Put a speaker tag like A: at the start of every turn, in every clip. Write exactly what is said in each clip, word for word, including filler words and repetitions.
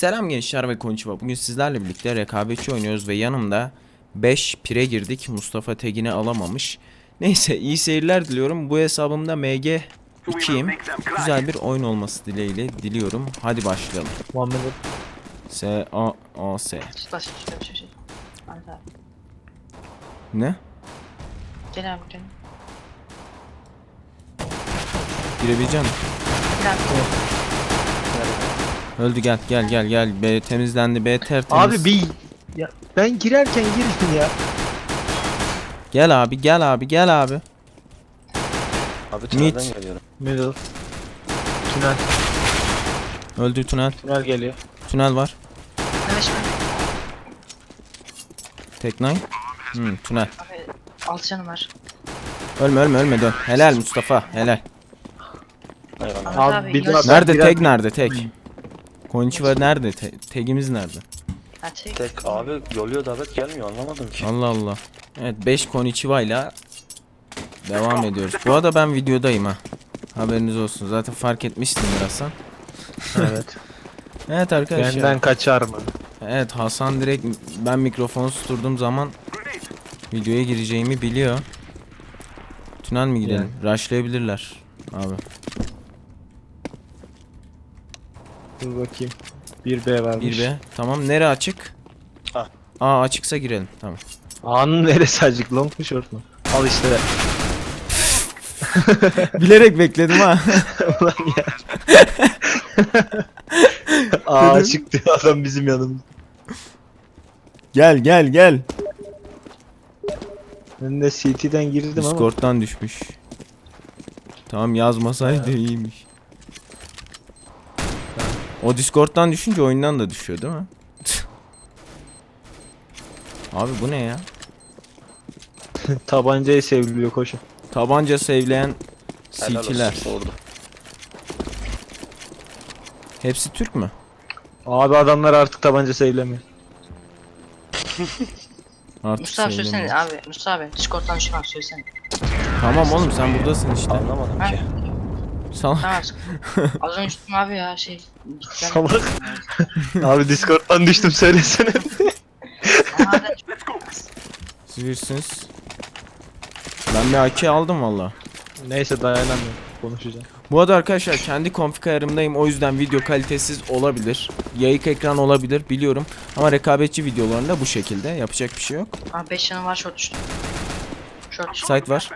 A: Selam gençler ve konnichiwa. Bugün sizlerle birlikte rekabetçi oynuyoruz ve yanımda beş pire girdik. Mustafa Tegin'i alamamış. Neyse, iyi seyirler diliyorum. Bu hesabımda M G ikiyim. Güzel bir oyun olması dileğiyle diliyorum. Hadi başlayalım.
B: Muhammed
A: S A A S.
C: Baş şöyle bir şey. Ahmet abi.
A: Ne?
C: Gel abi gel.
A: Girebileceğim.
C: Gel abi.
A: Öldü, gel gel gel gel. B temizlendi. B tertemiz.
B: abi bir ya ben girerken girdin ya.
A: Gel abi gel abi gel abi.
D: Abi
A: Mid.
D: tünelden geliyorum.
B: Middle. Tünel.
A: Öldü, tünel.
B: Tünel geliyor.
A: Tünel var.
C: Evet şimdi.
A: Tek nine. Hmm, tünel.
C: Abi altı canım var.
A: Ölme ölme ölme, dön. Helal Mustafa, helal.
D: Eyvallah.
C: Ahmet
B: Abi,
C: abi.
B: bir
C: yine-
B: daha-
A: Nerede
B: Biraz-
A: tek, nerede tek? Konnichiwa nerede? Te tegimiz nerede?
C: Ha, tek.
D: Tek abi yoluyor davet gelmiyor anlamadım ki.
A: Allah Allah. Evet, beş Konnichiwa ile devam ediyoruz. Bu arada ben videodayım ha. Haberiniz olsun. Zaten fark etmişsindir Hasan.
B: Evet.
A: Evet arkadaşlar.
B: Benden kaçar mı?
A: Evet, Hasan direkt ben mikrofonu susturduğum zaman videoya gireceğimi biliyor. Tünel mi gidelim? Rushlayabilirler abi.
B: Dur bakayım. bir B varmış.
A: bir B. Tamam, nere açık?
D: Ah.
A: Aa, açıksa girelim. Tamam.
B: A'nın neresi acık? Long mu short mu? Al işte.
A: Bilerek bekledim ha.
B: Ulan ya. Aa çıktı adam bizim yanımızda.
A: Gel gel gel.
B: Ben de C T'den girdim ama.
A: Discord'dan düşmüş. Tamam, yazmasaydı iyiymiş. O Discord'dan düşünce oyundan da düşüyor değil mi? Abi bu ne ya?
B: Tabancayı sevriliyor koşun.
A: Tabanca sevleyen
D: Helal
A: C T'ler.
D: olsun, oldu.
A: Hepsi Türk mü?
B: Abi adamlar artık tabanca sevlemiyor.
A: Artık
C: Mustafa söylesene
A: sevlemiyor.
C: abi. Mustafa abi. Discord'dan şu an söylesene.
A: Tamam oğlum, sen buradasın işte.
D: Anlamadım
C: Ha?
D: ki.
A: Salak.
C: Tamam. Az önce tuttum abi ya şey. Gittim.
B: Salak. Abi Discord'dan düştüm söylesene.
C: Ama hala-
A: Siz birsiniz. Ben bir A K aldım valla.
B: Neyse dayanamıyorum. Konuşacağım.
A: Bu arada arkadaşlar, kendi config ayarımdayım, o yüzden video kalitesiz olabilir. Yayık ekran olabilir biliyorum. Ama rekabetçi videolarında bu şekilde, yapacak bir şey yok.
C: Abi beş canım var short düştü. Short düştü.
A: Site var.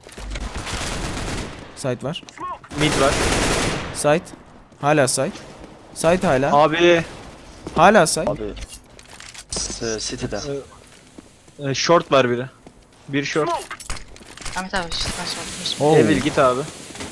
A: Site var.
B: Mid var.
A: Site. Hala site. Site hala.
B: Abi
A: Hala site.
D: Abi s- City'de.
B: e, short var biri. Bir short.
C: Ahmet abi işte ben sordum.
A: Oo.
B: Evil git abi.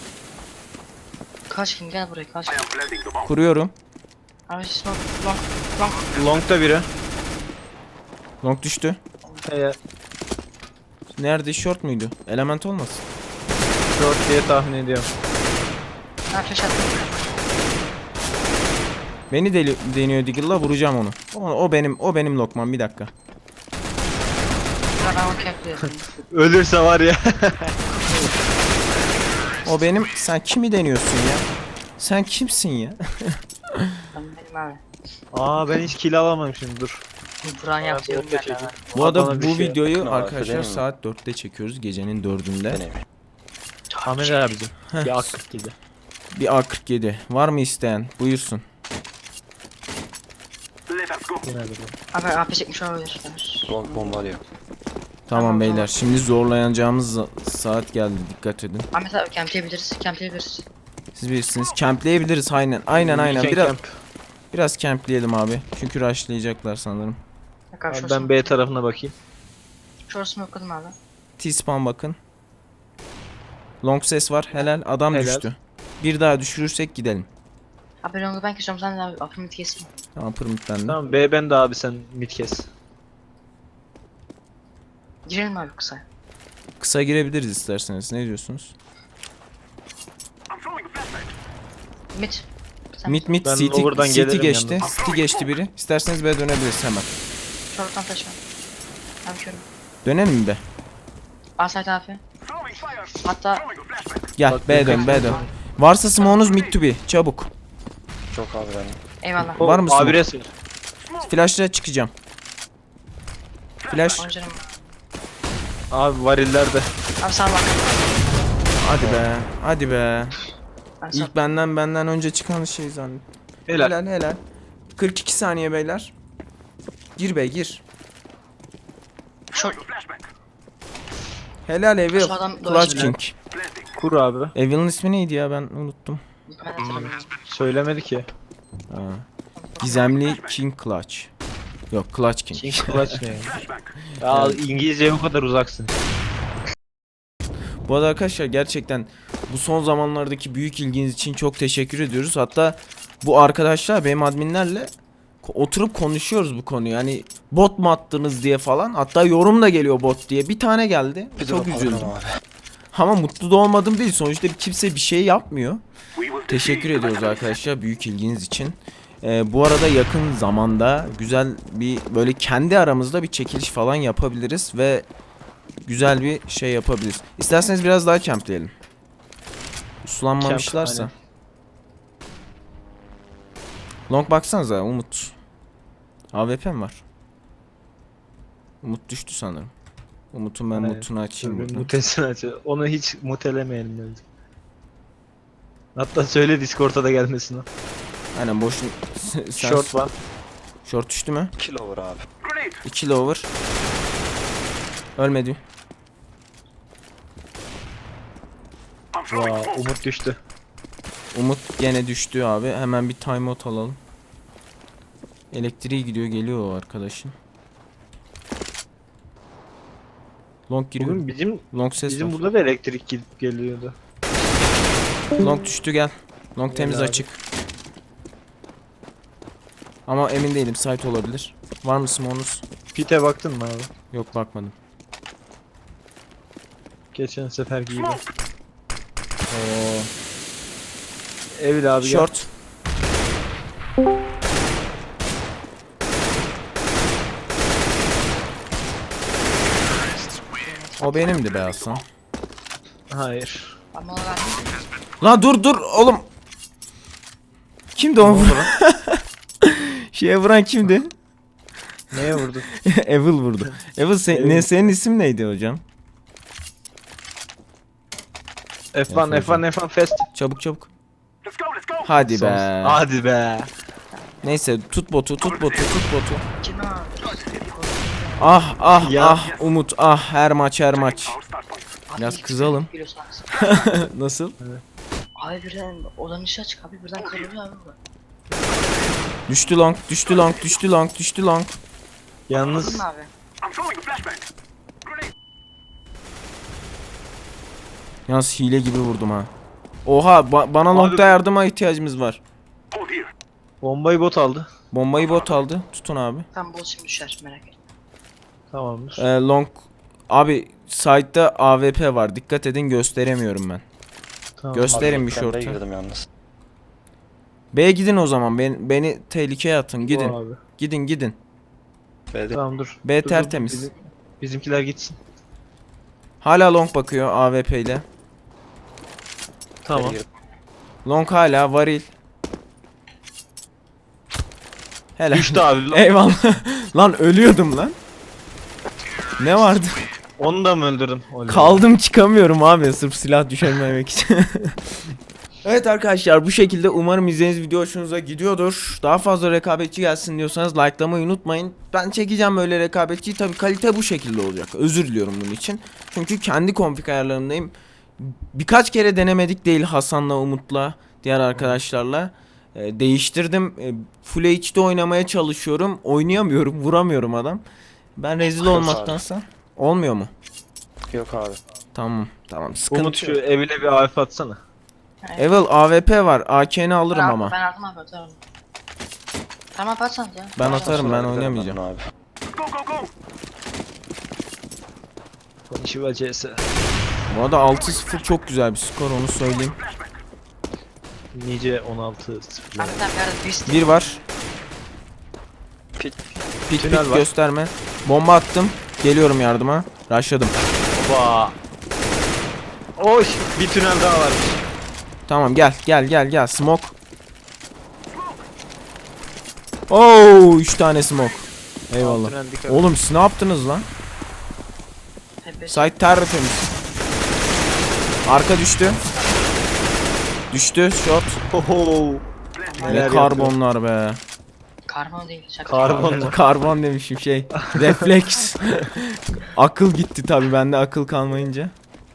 C: Kaç kim gel buraya kaç.
A: Kuruyorum.
C: Abi smoke long long.
B: Long'da biri.
A: Long düştü.
B: Ee,
A: Nerede? Short muydu? Element olmasın.
B: short diye tahmin ediyorum.
C: Ha flash attım.
A: Beni deli deniyor Diggle'la, vuracağım onu. O, o benim o benim lokmam, bir dakika.
C: Ya ben onu camp'liyorum.
B: Ölürse var ya.
A: O benim. Sen kimi deniyorsun ya? Sen kimsin ya?
C: Ben benim abi.
B: Aa ben hiç kill alamamışım dur.
C: Buran yapıyorum
B: orta
C: ben
B: çekeyim.
C: abi.
A: Bu arada
B: Bana bir
A: bu
B: şey-
A: videoyu
D: Bakın o
A: arkadaşlar
D: arkada değil mi?
A: saat dörtte çekiyoruz, gecenin dördünde.
D: Deneyim.
B: Ahmet abicim. Bir aktif gibi.
A: Bir A kırk yedi. Var mı isteyen? Buyursun.
C: Abi A P çekmiş olabilir.
D: Long bombalıyor.
A: Tamam
C: Tamam,
A: beyler,
C: tamam.
A: şimdi zorlayacağımız za- saat geldi, dikkat edin.
C: Ahmet abi campleyebiliriz. Campleyebiliriz.
A: Siz bilirsiniz, campleyebiliriz, aynen aynen aynen.
B: Weekend
A: Biraz
B: camp.
A: biraz campleyelim abi. Çünkü rushlayacaklar sanırım.
C: Bak abi
B: Abi
C: short
B: ben
C: smoke.
B: B tarafına bakayım.
C: Short smoke'ladım abi.
A: T-spawn bakın. Long ses var, helal, adam
B: Helal.
A: düştü. Bir daha düşürürsek gidelim.
C: Abi long'u ben kesiyorum sen de abi upper mid kesin.
A: Tamam, permit bende.
B: Tamam B ben de abi sen mid kes.
C: Girelim abi kısa.
A: Kısa girebiliriz isterseniz, ne diyorsunuz?
C: Mid. Sen
A: Mid mid
B: Ben
A: City,
B: lower'dan
A: City
B: gelirim
A: geçti.
B: yalnız.
A: City geçti biri. İsterseniz B dönebiliriz hemen.
C: short'tan taş var. Abi körüm.
A: Dönelim mi be?
C: A side abi. Hatta
A: Gel
B: Bak,
A: B
B: birkaç
A: dön B dön.
B: tane-
A: Varsa smoke'unuz mid to be, çabuk.
D: Çok abi benim.
C: Eyvallah.
A: Var mı
B: A
A: smoke?
B: bir S var.
A: Flash'la çıkacağım. Flash.
C: Oncanım.
B: Abi varillerde.
C: Abi sana bak.
A: Hadi be. Hadi be.
C: Ben sana.
A: İlk benden benden önce çıkan şey zannettim.
B: Helal.
A: Helal helal. kırk iki saniye beyler. Gir bey gir.
C: Short.
A: Helal Evil.
C: Şu adam
A: Clutch
C: dolaşıyor.
A: King.
B: Kur abi.
A: Evil'in ismi neydi ya, ben unuttum.
C: Ben hatırlamıyorum.
B: Söylemedi ki.
A: Ha. Gizemli King Clutch. Yok, Clutch King.
B: King Clutch ne ya? Ya İngilizceye bu kadar uzaksın.
A: Bu arada arkadaşlar gerçekten bu son zamanlardaki büyük ilginiz için çok teşekkür ediyoruz. Hatta bu arkadaşlar benim adminlerle ko- oturup konuşuyoruz bu konuyu. Yani bot mu attınız diye falan. Hatta yorum da geliyor bot diye. Bir tane geldi.
D: Bir
A: Çok
D: drop
A: üzüldüm.
D: alalım abi.
A: Ama mutlu da olmadım değil. Sonuçta kimse bir şey yapmıyor. Teşekkür ediyoruz arkadaşlar büyük ilginiz için. Ee, bu arada yakın zamanda güzel bir böyle kendi aramızda bir çekiliş falan yapabiliriz ve güzel bir şey yapabiliriz. İsterseniz biraz daha campleyelim. Uslanmamışlarsa.
B: Camp,
A: Long baksanıza Umut. A W P mi var? Umut düştü sanırım. Umut'un ben
B: Aynen.
A: mutunu açayım
B: Dur,
A: burada.
B: Mutesini aç. Onu hiç mutelemeyelim bence. Hatta söyle Discord'a da gelmesin o.
A: Aynen boş. Sen-
B: Short var.
A: Short düştü mü?
D: Kill over abi.
A: iki lower. Ölmedi.
B: Vaa Umut düştü.
A: Umut gene düştü abi. Hemen bir timeout alalım. Elektriği gidiyor, geliyor o arkadaşın. Long giriyor.
B: Bugün bizim
A: Long ses
B: bizim
A: var.
B: burada da elektrik gidip geliyordu.
A: Long düştü, gel. Long
B: Gel
A: temiz
B: abi.
A: açık. Ama emin değilim, site olabilir. Var mı smoke'unuz?
B: Pite baktın mı abi?
A: Yok, bakmadım.
B: Geçen sefer gibi.
A: Oo.
B: Evil abi gel.
A: Short. O benimdi be Hasan.
B: Hayır.
C: Ama ona verdim.
A: La dur dur oğlum. Kimdi o? Şeye vuran kimdi?
B: Neye vurdu?
A: Evil vurdu. Evil sen,
B: Evil.
A: ne senin isim neydi hocam?
B: F bir
A: Yapacağım.
B: F bir F bir fast.
A: Çabuk çabuk. Hadi
B: Son-
A: be.
B: Hadi be.
A: Neyse tut botu, tut botu, tut botu.
C: Kim abi?
A: Ah ah
B: Ya.
A: ah Umut, ah her maç her maç.
C: Abi
A: Biraz
C: ilk
A: kızalım.
C: sen geliyorsun abi.
A: Nasıl?
C: Abi birden odanın ışığı açık abi birden kırılıyor abi bu.
A: Düştü long, düştü long, düştü long, düştü long.
B: Yalnız
C: Anladın mı abi?
A: Yalnız hile gibi vurdum ha. Oha ba- bana
B: Abi-
A: longda yardıma ihtiyacımız var.
B: bombayı bot aldı.
A: Bombayı bot aldı. Tutun abi.
C: Tam bol şimdi düşer merak etme.
B: Tamamdır.
A: Ee, long abi side'da A W P var. Dikkat edin, gösteremiyorum ben.
B: Tamam.
A: Gösterin
D: Abi,
A: bir
D: ben
A: short'u.
D: B'ye girdim yalnız.
A: B'ye gidin o zaman. Ben, beni tehlikeye atın.
B: Bu
A: Gidin.
B: Abi.
A: Gidin gidin.
D: B'de.
B: Tamam dur.
A: B
B: Dur, dur,
A: tertemiz.
B: bizim- bizimkiler gitsin.
A: Hala long bakıyor A W P ile.
B: Tamam.
D: B'ye girdim.
A: Long hala varil. Helal.
B: Düştü abi.
A: Eyvallah. Lan ölüyordum lan. Ne vardı?
B: Onu da mı öldürdün? Oley.
A: Kaldım, çıkamıyorum abi sırf silah düşürmemek için. Evet arkadaşlar, bu şekilde umarım izlediğiniz video hoşunuza gidiyordur. Daha fazla rekabetçi gelsin diyorsanız likelamayı unutmayın. Ben çekeceğim öyle rekabetçiyi, tabi kalite bu şekilde olacak. Özür diliyorum bunun için. Çünkü kendi config ayarlarındayım. Birkaç kere denemedik değil Hasan'la, Umut'la, diğer arkadaşlarla. Ee, değiştirdim. Ee, Full H D oynamaya çalışıyorum. Oynayamıyorum, vuramıyorum adam. Ben rezil
D: Yok
A: olmaktansa. Olmuyor mu?
D: Yok abi.
A: Tamam, tamam. Sıkıntı
B: Umut şu
A: yok.
B: evine bir A F atsana.
A: Evil A W P var. A K'ni alırım
C: Ben-
A: ama.
C: Ben aldım abi atarım. Tamam abi atsanız ya.
A: Ben atarım, ben
D: Sonra
A: oynamayacağım.
D: giderim ben Abi.
B: Konnichiwa C S.
A: Bu arada altı sıfır çok güzel bir skor, onu söyleyeyim.
B: Nice on altı sıfır.
C: Abi sen bir arada beast.
A: Bir var.
D: Pit.
A: Pik
B: Tünel
A: pik
B: var.
A: gösterme. Bomba attım. Geliyorum yardıma. Rushladım.
B: Oba. Oy bir tünel daha varmış.
A: Tamam, gel gel gel gel. Smoke. Oo, üç tane smoke. Eyvallah.
B: Altına dikkat.
A: Oğlum siz ne yaptınız lan?
C: Hep
A: Site tertemiz. Arka düştü. Düştü shot.
B: Oho.
A: Ne
B: Neler
A: karbonlar be.
C: karbon değil. Şaka.
B: Karbon mu?
A: Karbon demişim şey. Refleks. Akıl gitti tabi bende akıl kalmayınca.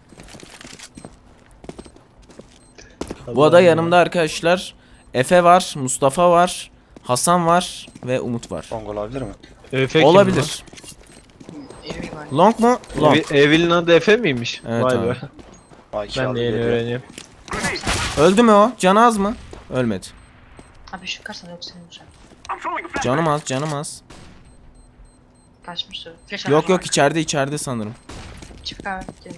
A: Bu arada yanımda arkadaşlar Efe var, Mustafa var, Hasan var ve Umut var.
D: Long olabilir mi?
B: Efe kim
A: Olabilir.
C: Evi var.
A: Long mu?
B: lan?
A: Long.
B: Evi- Evil'in adı Efe miymiş?
A: Evet
B: Vay
A: abi.
B: be.
D: Ay, iki
B: Ben
D: abi
B: de yeni
D: geliyor.
B: öğreniyorum.
A: Öldü mü o? Canı az mı? Ölmedi.
C: Abi şu karsan yok senin uçak.
A: Canım az, canım az.
C: Kaçmıştı. Flash
A: Yok
C: atarım
A: yok içeride içeride sanırım.
C: abi. Çık abi. Gelin.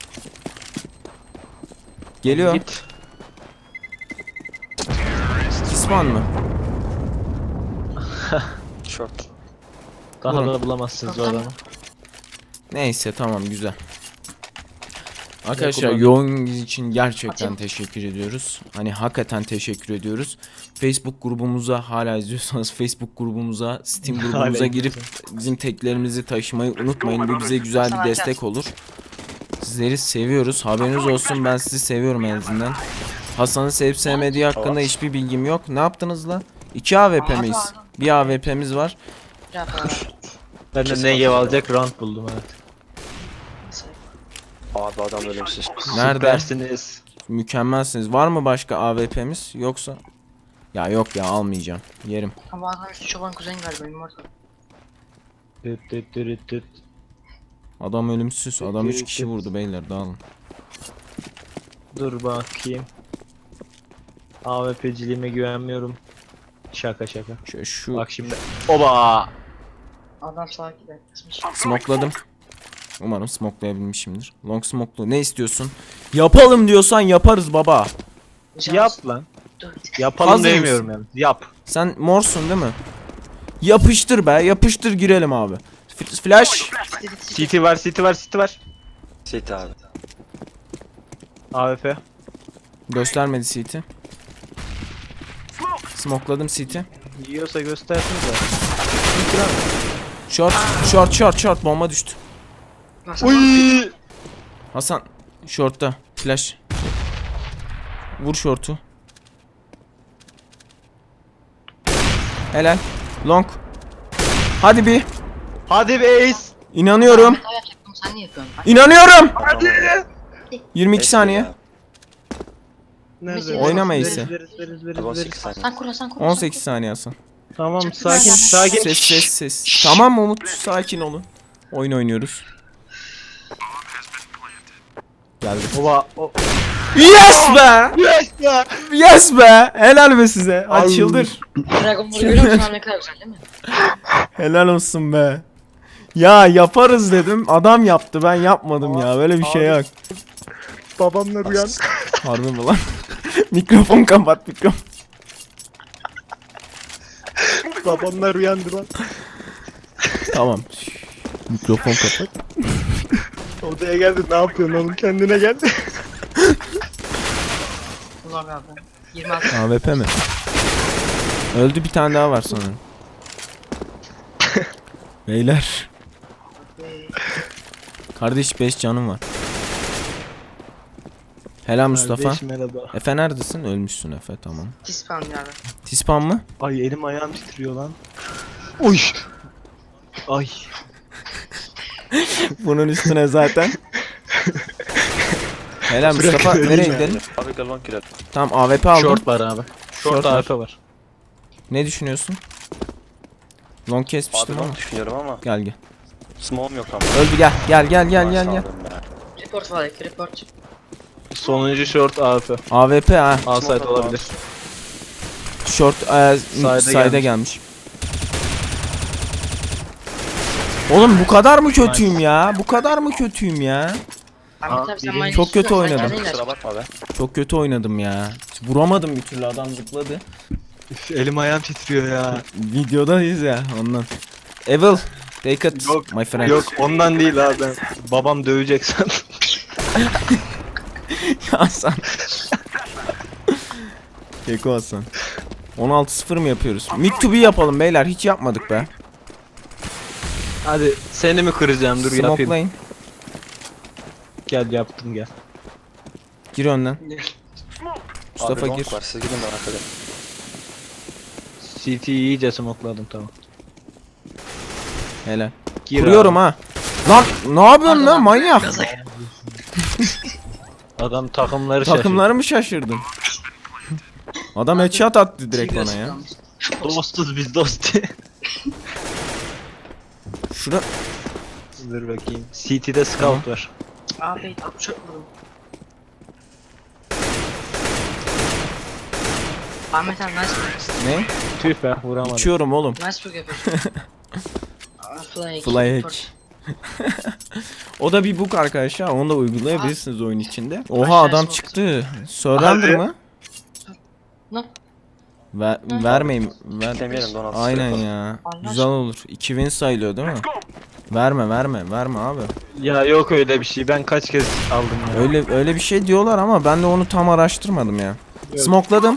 A: Geliyor.
B: Git.
A: Kisman mı?
D: Short.
B: Daha
A: Vurun.
B: da bulamazsınız o adamı.
A: Neyse tamam güzel. Arkadaşlar
B: kullandım.
A: yoğunluğunuz için gerçekten
C: Atayım.
A: teşekkür ediyoruz. Hani hakikaten teşekkür ediyoruz. Facebook grubumuza hala izliyorsanız Facebook grubumuza, Steam grubumuza
B: Hala
A: girip bizim teklerimizi taşımayı unutmayın. Bu bize güzel bir
C: Sana
A: destek
C: açar.
A: olur. Sizleri seviyoruz. Haberiniz olsun, ben sizi seviyorum en azından. Hasan'ı sevip sevmediği hakkında hiçbir bilgim yok. Ne yaptınız la? İki A W P miyiz? Bir A W P'miz var.
C: Bir hafta var.
B: Ben de
D: Kesin
B: Negev
D: atacağım.
B: alacak round buldum evet.
C: Mesela.
D: Abi adam ölümsüz.
A: Nerede?
B: Süpersiniz.
A: Mükemmelsiniz. Var mı başka A W P'miz yoksa? Ya yok ya almayacağım. Yerim.
C: Ama adam üstü çoban kuzen galiba benim orada.
B: Düt düt düt düt.
A: Adam ölümsüz. Adam üç kişi vurdu beyler dağılın.
B: Dur bakayım. A W P'ciliğime güvenmiyorum. Şaka şaka.
A: Şu, şu
B: Bak şimdi. Oba!
C: Adam sağa gider. Kısmış.
A: smokladım. Umarım smoklayabilmişimdir. Long smoklu. Ne istiyorsun? Yapalım diyorsan yaparız baba.
B: Yap lan.
C: Dur.
B: Yapalım
A: Hazır
B: demiyorum yani. Yap.
A: Sen morsun değil mi? Yapıştır be. Yapıştır girelim abi. F- Flash.
B: City var, City var, City var.
D: Sit abi.
B: A W P.
A: Göstermedi C T. Smokladım C T.
B: Yiyorsa göstersin de.
A: Short. Short short short. Bomba düştü.
B: Uy!
A: Hasan. Short'ta. Flash. Vur short'u. Helal. Long. Hadi bir.
B: Hadi be Ace.
A: İnanıyorum.
C: Hata yapacaktım sen niye yapıyorsun? Bak.
A: İnanıyorum.
D: Hadi.
A: yirmi iki saniye.
C: Nerede?
A: Oynama
B: Veririz,
A: Ace'i.
B: veririz, veririz, veririz,
D: on sekiz
B: veririz.
D: saniye.
C: Sen kur sen kur.
A: on sekiz saniye Hasan.
B: Tamam
C: Çok
B: sakin
C: güzel.
B: sakin.
A: Ses ses ses. Tamam Umut sakin olun. Oyun oynuyoruz. Geldi.
B: Oba. O.
A: Yes be!
B: Yes ya.
A: Yes be! Helal be size. Açıldır.
C: Dragon Ball'u görüyor musun abi ne kadar güzel değil mi?
A: Helal olsun be. Ya yaparız dedim. Adam yaptı. Ben yapmadım ya. Böyle bir şey yok.
B: Babamla rüyan.
A: Harbi mi lan? Mikrofon kapat mikrofon.
B: Babamla rüyandı lan.
A: Tamam. Mikrofon kapat.
B: Odaya geldi ne yapıyorsun oğlum kendine gel.
C: Ulan abi. yirmi altı.
A: A W P mi? Öldü bir tane daha var sanırım. Beyler. Kardeş beş canım var. Helal Mustafa.
B: Kardeş, merhaba.
A: Efe neredesin? Ölmüşsün Efe tamam.
C: Tispan abi.
A: Tispan mı?
B: Ay elim ayağım titriyor lan. Uy. Ay.
A: Bunun üstüne zaten. Helal Mustafa
B: Bırak,
A: nereye
B: öleyim
A: gidelim?
D: Abi gel long girelim.
A: Tamam A W P aldım.
B: Short var abi.
A: Short
B: Short
A: var.
B: A W P var.
A: Ne düşünüyorsun? Long
D: Abi
A: kesmiştim ama.
D: long düşünüyorum ama.
A: Gel gel.
D: Smoke'um yok ama.
A: Öldü gel. Gel gel gel gel gel.
D: Sağ olun be.
C: Report var iki report.
B: Sonuncu short A W P.
A: A W P ha.
B: Outside
D: Smoke
B: olabilir.
A: Short e,
B: Side'e
A: side'e
B: gelmiş.
A: gelmiş. Oğlum bu kadar mı kötüyüm ya? Bu kadar mı kötüyüm ya?
C: Ahmet abi sen
B: birinci-
C: bana
A: Çok kötü
C: sen
A: oynadım.
C: kendin ilaç.
D: Kusura bakma be.
A: Çok kötü oynadım ya. Vuramadım bir türlü adam zıpladı.
B: Üf, elim ayağım titriyor ya.
A: Videodayız ya ondan. Evil, take it
B: Yok,
A: my friend.
B: Yok ondan değil abi ben. Babam dövecek sandım.
A: Hasan. Keko Hasan. on altı sıfır mı yapıyoruz? Mid to be yapalım beyler. Hiç yapmadık be.
B: Hadi seni mi kıracağım, dur yapayım.
A: Smokelayın.
B: Gel yaptım gel.
A: Gir önden.
C: Ne?
A: Mustafa
D: Abi
A: gir.
D: long var, siz gidin merak edin.
B: C T'yi iyice smokladım, tamam.
A: Helal.
B: Gir
A: Kuruyorum
B: abi.
A: ha. Lan ne yapıyorsun lan manyak?
C: Gaza-
B: Adam takımları şaşırdı.
A: Takımları mı şaşırdın? Adam headshot attı direkt
C: Serious
A: bana ya.
C: kalmış.
B: Dostuz biz dost.
A: Şura
B: Dur bakayım. C T'de scout var.
C: Abi çok vurdum. Ahmet abi nice book.
A: ne?
B: Tüh be, vuramadım.
A: Uçuyorum oğlum.
C: Nice book yapıyorsun. Aa, Fly.
A: Fly hack. O da bir book arkadaşlar. Onu da uygulayabilirsiniz oyun içinde. Oha
C: Aşağı
A: adam
C: smoke.
A: çıktı. Surrender
B: Hadi.
A: mı?
C: Ne?
A: Ver, vermeyin. Ver.
D: Demeyelim, Donald
A: Aynen
D: yapalım.
A: ya.
C: Allah
A: Güzel olur. iki win sayılıyor değil mi? Verme verme verme abi.
B: Ya yok öyle bir şey, ben kaç kez aldım ya.
A: Öyle öyle bir şey diyorlar ama ben de onu tam araştırmadım ya.
B: Evet.
A: Smokeladım.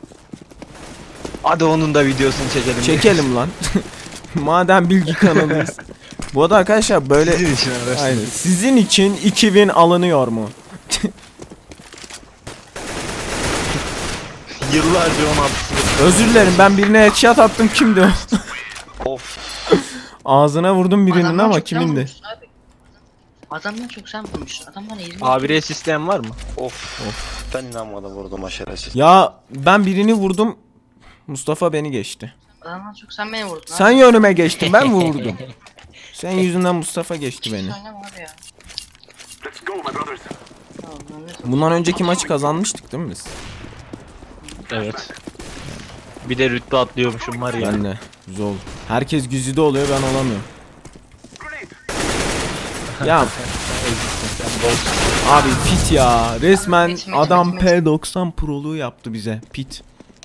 B: Hadi onun da videosunu çekelim.
A: Çekelim lan. Madem bilgi kanalıyız. Bu arada arkadaşlar böyle
B: Sizin için araştırdım.
A: aynen. Sizin için iki win alınıyor mu?
B: Yıllarca on altı.
A: Özür dilerim ben birine headshot attım, kimdi o?
D: Of.
A: Ağzına vurdum birinin
C: Adamdan
A: ama
C: çok sen
A: kimindi?
C: vurmuşsun abi. Adamdan çok sen vurmuşsun. Adam bana yirmi.
B: Abire sistem var mı?
D: Of. Ben inanmadım vurdum aşeresiz.
A: Ya ben birini vurdum. Mustafa beni geçti.
C: Adamdan çok sen beni vurdun.
A: Sen yönüme geçtin, ben vurdum. Sen yüzünden Mustafa geçti beni.
C: Oynama abi ya. Tamam, Mehmet.
A: Bundan önceki maçı kazanmıştık değil mi biz?
B: Evet. Bir de rütbe atlıyormuşum var ya.
A: Ben de. Güzel oldu. Herkes güzide oluyor, ben olamıyorum. Ya abi pit ya. Resmen
C: Pit, pit,
A: adam
C: pit, pit.
A: P doksan Pro'luğu yaptı bize. Pit.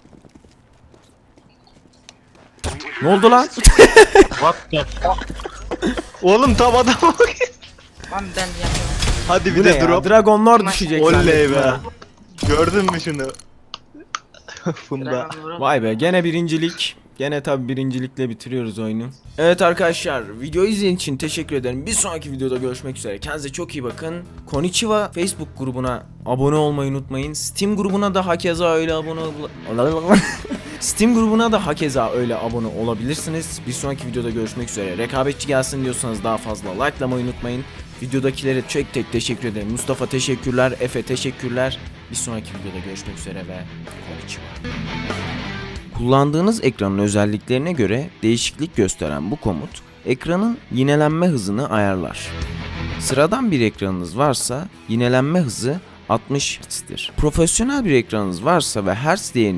A: Ne oldu lan?
B: What the fuck? Oğlum tam adama bak.
C: Abi ben yapamam.
B: Hadi
A: Bu
B: bir
A: ne
B: de
A: ya?
B: drop.
A: Dragonlar düşecek.
B: Oley
A: zannettim
B: be.
A: ha.
B: Gördün mü şunu? Funda.
C: Dragon vuralım.
A: Vay be, gene birincilik. Gene tabi birincilikle bitiriyoruz oyunu. Evet arkadaşlar, video izlediğiniz için teşekkür ederim. Bir sonraki videoda görüşmek üzere. Kendinize çok iyi bakın. Konnichiwa Facebook grubuna abone olmayı unutmayın. Steam grubuna da hakeza öyle abone ol- Steam grubuna da hakeza öyle abone olabilirsiniz. Bir sonraki videoda görüşmek üzere. Rekabetçi gelsin diyorsanız daha fazla likelamayı unutmayın. Videodakilere tek tek teşekkür ederim. Mustafa teşekkürler, Efe teşekkürler. Bir sonraki videoda görüşmek üzere ve konnichiwa. Kullandığınız ekranın özelliklerine göre değişiklik gösteren bu komut, ekranın yinelenme hızını ayarlar. Sıradan bir ekranınız varsa yinelenme hızı altmış hertz'tir. Profesyonel bir ekranınız varsa ve hertz değerini